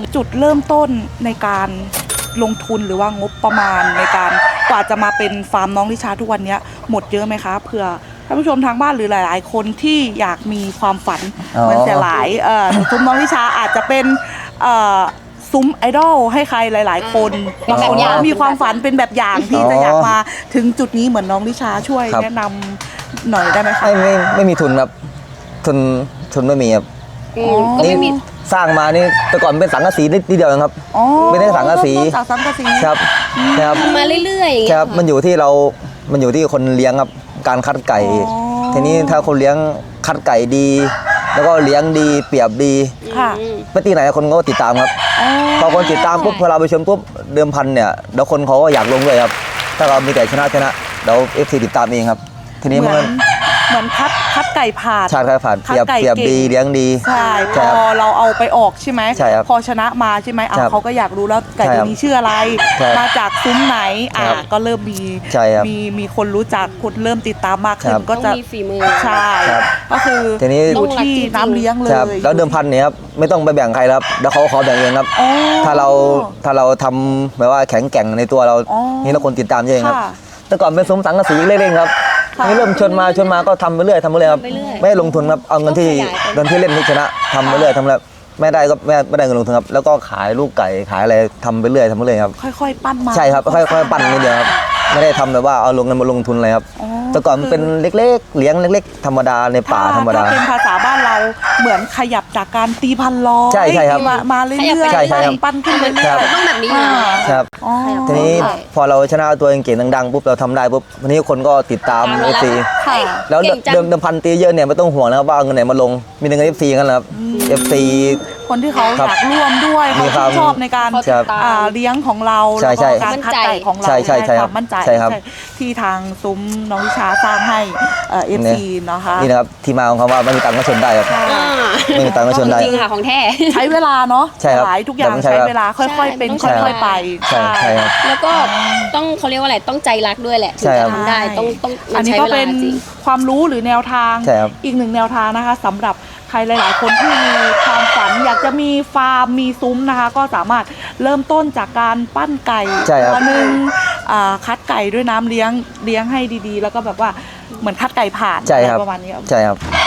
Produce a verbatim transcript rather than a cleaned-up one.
จุดเริ่มต้นในการลงทุนหรือว่างบประมาณในการกว่าจะมาเป็นฟาร์มน้องลิชาทุกวันนี้หมดเยอะไหมคะเผื่อท่านผู้ชมทางบ้านหรือหลายๆคนที่อยากมีความฝันเหมือนเสียหลายเอ่อซุ้มน้องลิชาอาจจะเป็นเอ่อซุ้มไอดอลให้ใครหลายๆคนบางคนก็มีความฝันเป็นแบบอย่างที่จะอยากมาถึงจุดนี้เหมือนน้องลิชาช่วยแนะนำหน่อยได้ไหมคะไม่ไม่ไม่มีทุนครับทุนทุนไม่มีครับก็ไม่มีสร้างมานี่แต่ก่อนเป็นสังกะสีนิดเดียวเองครับไม่ได้สังกะสีจากสังกะสีครับครับมาเรื่อยๆอย่างคเงี้ยรับมันอยู่ที่เรา มันอยู่ที่คนเลี้ยงครับการคัดไก่ ทีนี้ถ้าคนเลี้ยงคัดไก่ดี แล้วก็เลี้ยงดีเปรียบดีค่ะไปตีไหนคนก็ติดตามครับพอคนติดตามปุ๊บพอเราไปชมปุ๊บเดิมพันเนี่ยเดี๋ยวคนเขาก็อยากลงด้วยครับถ้าเรามีไก่ชนะชนะเดี๋ยวเอฟซีติดตามเองครับทีนี้เหมืมัอน นเหมือนคัดคัดไก่ผ่านชาติผ่านเปรียบคัดไก่เปรียบเก่งดีเลี้ยงดีใช่พใช่อครับเราเอาไปออกใช่ไหมใช่ครับพอชนะมาใช่ไหมอ่ะครับเขาก็อยากรู้แล้วไก่ใช่ตัวครับนี้ชื่ออะไรใช่ครับมาจากซุ้มไหนอ่ะครับก็เริ่มมีใช่ครับมีมีคนรู้จักคนเริ่มติดตามมากขึ้ครันบก็ต้องจะมีฝีมือใช่ครับก็คือทีนี้อยู่ที่น้ำเลี้ยงเลยครับแล้วเดิมพันเนี่ยครับไม่ต้องไปแบ่งใครครับแล้วเขาขอแบ่งเองครับอ๋อถ้าเราถ้าเราทำแบบว่าแข็งแกร่งในตัวเราอ๋อนี่เราคนติดตามเยอะครับค่ะแต่ก่อนเป็นซุ้มสังกะสีเล่นๆครับค่ะนี่เริ่มชนมาชนมาก็ทำไปเรื่อยทำไปเรื่อยครับทำไปเรื่อยไม่ได้ลงทุนครับเอาเงินที่ต้องขยายไปเงินที่เล่นที่ชนะทำไปเรื่อยทำแล้วไม่ได้ก็ไม่ไม่ได้เงินลงทุนครับแล้วก็ขายลูกไก่ขายอะไรทำไปเรื่อยทำไปเรื่อยครับค่อยๆปั้นมาใช่ครับค่อยๆปั้นนิดเดียวครับไม่ได้ทำแบบว่าเอาลงเงินมาลงทุนอะไรครับอ๋อแต่ก่อนมันเป็นเล็กๆเลี้ยงเล็ก ๆ ธรรมดาในป่าธรรมดาถ้าเป็นภาษาบ้านเราเหมือนขยับจากการตีพันล้อใช่ใช่ครับมามาเรื่อยๆใช่ใช่ครับปั้นขึ้นเรื่อยครับๆต้องแบบนี้อยู่อ่าครับอ๋อทีนี้ใช่พอเราชนะตัวเองเก่งดังๆปุ๊บเราทำได้ปุ๊บวันนี้คนก็ติดตามตามเอเราฟซีค่ะแล้วเก่งจังเดิมเดิมพันตีเยอะเนี่ยไม่ต้องห่วงนะครับว่าเอาเงินไหนมาลงมีแต่เงินเอฟซีกันแหละครับเอฟซีคนที่เขาอครับยากร่วมด้วยมีเขาความชื่นชอบในการเขาติดตามอ่าเลี้ยงของเราใช่แล้วใช่ก็การคัดไก่ของเราใช่ใช่ใช่คครัวาบมมั่นใจใช่ครับใช่ที่ทางซุ้มน้องวิชาสร้างให้เอ่อฟซีนะคะนี่นะครับที่มาของคำว่าไม่มีตังค์ก็ชนได้ครับอ่าไม่มีตังค์ก็ชนได้จริงค่ะของแท้ใช้เวลาเนาะใช่ครับหลายทุกอย่างใช่ใช้ครับเวลาค่อยๆเป็นใช่ค่อยๆไปใช่ใช่ครับแล้วก็ต้องเขาเรียกว่าอะไรต้องใจรักด้วยแหละถึงใช่ครัจะบทำได้ต้องต้องมัอันนนี้ใช้ก็เวเป็ลาน จริงความรู้หรือแนวทางใช่ครับอีกหนึ่งแนวทางนะคะสำหรับใครหลาย ๆ คนที่มีความฝันอยากจะมีฟาร์มมีซุ้มนะคะ ก็สามารถเริ่มต้นจากการปั้นไก่ใช่ครับตัวหนึ่งอ่าคัดไก่ด้วยน้ำเลี้ยงเลี้ยงให้ดีๆ แล้วก็แบบว่าเหมือนคัดไก่ผ่านใช่ครับอะไรประมาณนี้ครับใช่ครับ